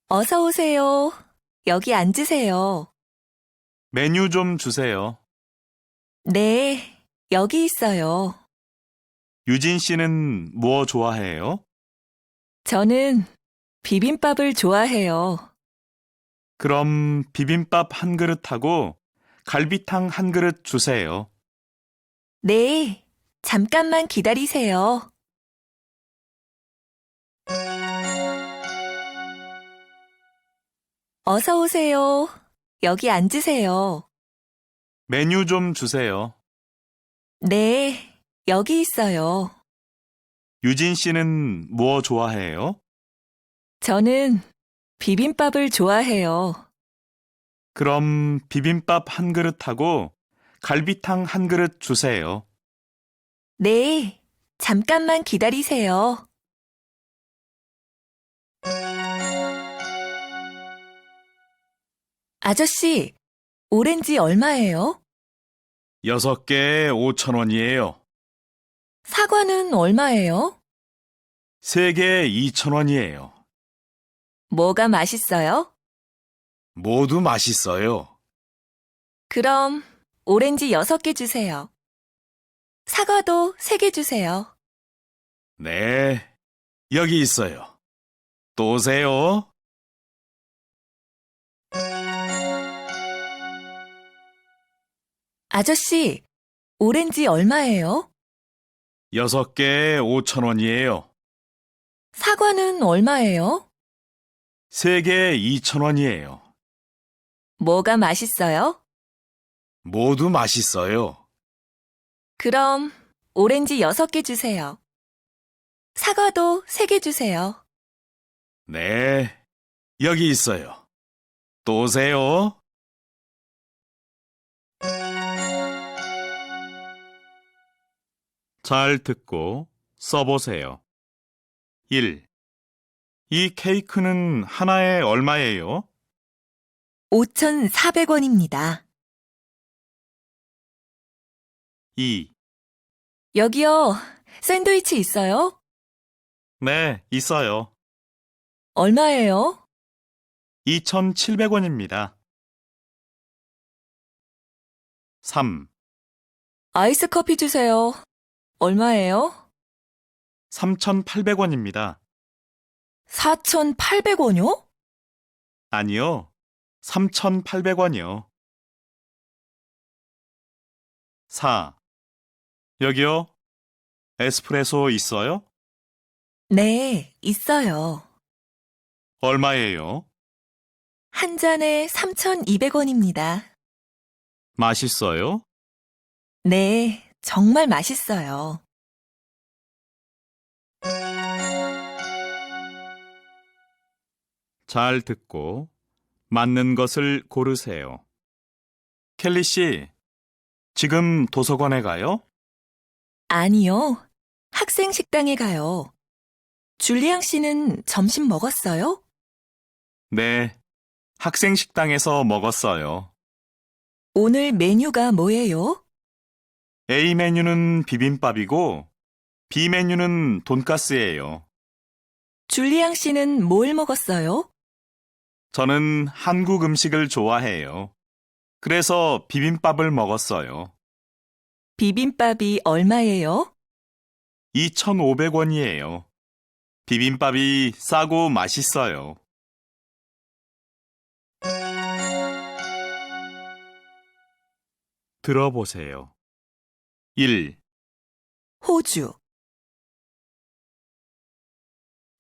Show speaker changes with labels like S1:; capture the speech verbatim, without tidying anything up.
S1: 어서 오세요. 여기 앉으세요.
S2: 메뉴 좀 주세요.
S1: 네, 여기 있어요.
S2: 유진 씨는 뭐 좋아해요?
S1: 저는 비빔밥을 좋아해요.
S2: 그럼 비빔밥 한 그릇하고 갈비탕 한 그릇 주세요.
S1: 네, 잠깐만 기다리세요. 어서 오세요. 여기 앉으세요.
S2: 메뉴 좀 주세요.
S1: 네, 여기 있어요.
S2: 유진 씨는 뭐 좋아해요?
S1: 저는 비빔밥을 좋아해요.
S2: 그럼 비빔밥 한 그릇하고 갈비탕 한 그릇 주세요.
S1: 네, 잠깐만 기다리세요. 아저씨, 오렌지 얼마예요?
S2: 여섯 개에 오천 원이에요.
S1: 사과는 얼마예요?
S2: 세 개에 이천 원이에요.
S1: 뭐가 맛있어요?
S2: 모두 맛있어요.
S1: 그럼 오렌지 여섯 개 주세요. 사과도 세 개 주세요.
S2: 네, 여기 있어요. 또 오세요.
S1: 아저씨, 오렌지 얼마예요?
S2: 여섯 개에 오천 원이에요.
S1: 사과는 얼마예요?
S2: 세 개에 이천 원이에요.
S1: 뭐가 맛있어요?
S2: 모두 맛있어요.
S1: 그럼 오렌지 여섯 개 주세요. 사과도 세 개 주세요.
S2: 네, 여기 있어요. 또 오세요. 잘 듣고 써보세요. 일. 이 케이크는 하나에 얼마예요?
S1: 오천사백 원입니다.
S2: 이.
S1: 여기요, 샌드위치 있어요?
S2: 네, 있어요.
S1: 얼마예요?
S2: 이천칠백 원입니다. 삼.
S1: 아이스 커피 주세요. 얼마예요?
S2: 삼천팔백 원입니다.
S1: 사천팔백 원이요?
S2: 아니요, 삼천팔백 원이요. 사. 여기요, 에스프레소 있어요?
S1: 네, 있어요.
S2: 얼마예요?
S1: 한 잔에 삼천이백 원입니다.
S2: 맛있어요?
S1: 네, 정말 맛있어요.
S2: 잘 듣고 맞는 것을 고르세요. 켈리 씨, 지금 도서관에 가요?
S1: 아니요, 학생 식당에 가요. 줄리앙 씨는 점심 먹었어요?
S2: 네, 학생 식당에서 먹었어요.
S1: 오늘 메뉴가 뭐예요?
S2: A 메뉴는 비빔밥이고 B 메뉴는 돈가스예요.
S1: 줄리앙 씨는 뭘 먹었어요?
S2: 저는 한국 음식을 좋아해요. 그래서 비빔밥을 먹었어요.
S1: 비빔밥이 얼마예요?
S2: 이천오백 원이에요. 비빔밥이 싸고 맛있어요. 들어보세요. 일.
S1: 호주,